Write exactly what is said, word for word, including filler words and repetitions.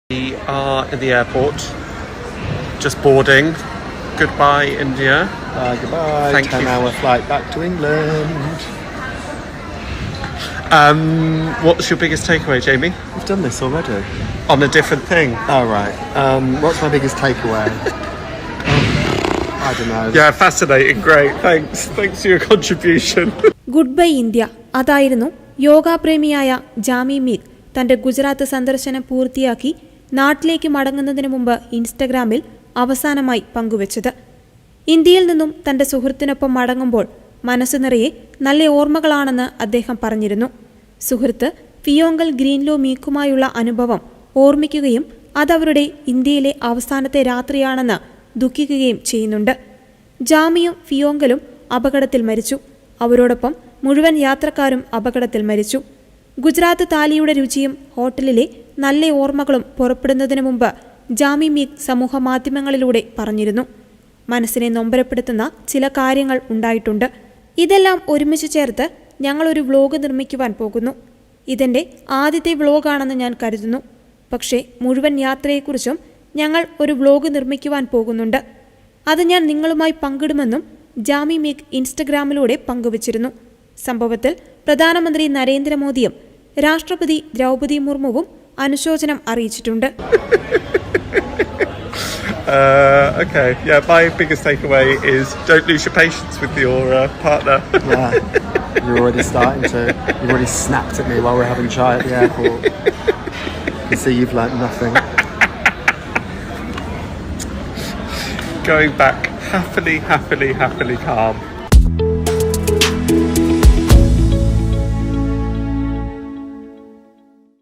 We are in the airport, just boarding. Goodbye, India. Uh, goodbye. Thank ten you. hour flight back to England. Um, what's your biggest takeaway, Jamie? We've done this already. On a different thing. Oh, right. Um, what's my biggest takeaway? I don't know. Yeah, fascinating. Great. Thanks. Thanks for your contribution. Good bye India അതായിരുന്നു യോഗാപ്രേമിയായ ജാമി മീഗ് തന്റെ ഗുജറാത്ത് സന്ദർശനം പൂർത്തിയാക്കി നാട്ടിലേക്ക് മടങ്ങുന്നതിന് മുമ്പ് ഇൻസ്റ്റഗ്രാമിൽ അവസാനമായി പങ്കുവച്ചത്. ഇന്ത്യയിൽ നിന്നും തന്റെ സുഹൃത്തിനൊപ്പം മടങ്ങുമ്പോൾ മനസ്സ് നിറയെ നല്ല ഓർമ്മകളാണെന്ന് അദ്ദേഹം പറഞ്ഞിരുന്നു. സുഹൃത്ത് ഫിയോങ്കൽ ഗ്രീൻലോ മീക്കുമായുള്ള അനുഭവം ഓർമ്മിക്കുകയും അതവരുടെ ഇന്ത്യയിലെ അവസാനത്തെ രാത്രിയാണെന്ന് ദുഃഖിക്കുകയും ചെയ്യുന്നുണ്ട്. ജാമിയും ഫിയോങ്കലും അപകടത്തിൽ മരിച്ചു. അവരോടൊപ്പം മുഴുവൻ യാത്രക്കാരും അപകടത്തിൽ മരിച്ചു. ഗുജറാത്ത് താലിയുടെ രുചിയും ഹോട്ടലിലെ നല്ല ഓർമ്മകളും പുറപ്പെടുന്നതിന് മുമ്പ് ജാമി മീഗ് സമൂഹ മാധ്യമങ്ങളിലൂടെ പറഞ്ഞിരുന്നു. മനസ്സിനെ നൊമ്പരപ്പെടുത്തുന്ന ചില കാര്യങ്ങൾ ഉണ്ടായിട്ടുണ്ട്. ഇതെല്ലാം ഒരുമിച്ച് ചേർത്ത് ഞങ്ങളൊരു വ്ലോഗ് നിർമ്മിക്കുവാൻ പോകുന്നു. ഇതെൻ്റെ ആദ്യത്തെ വ്ലോഗാണെന്ന് ഞാൻ കരുതുന്നു. പക്ഷേ മുഴുവൻ യാത്രയെക്കുറിച്ചും ഞങ്ങൾ ഒരു വ്ലോഗ് നിർമ്മിക്കുവാൻ പോകുന്നുണ്ട്. അത് ഞാൻ നിങ്ങളുമായി പങ്കിടുമെന്നും ജാമി മീഗ് ഇൻസ്റ്റഗ്രാമിലൂടെ പങ്കുവച്ചിരുന്നു. സംഭവത്തിൽ പ്രധാനമന്ത്രി നരേന്ദ്രമോദിയും രാഷ്ട്രപതി ദ്രൗപദി മുർമുവും അനുശോചനം അറിയിച്ചിട്ടുണ്ട്. Uh, okay, yeah, my biggest takeaway is don't lose your patience with your uh, partner. Yeah, you're already starting to. You've already snapped at me while we're having chai at the airport. You see, you've learnt nothing. Going back happily, happily, happily calm.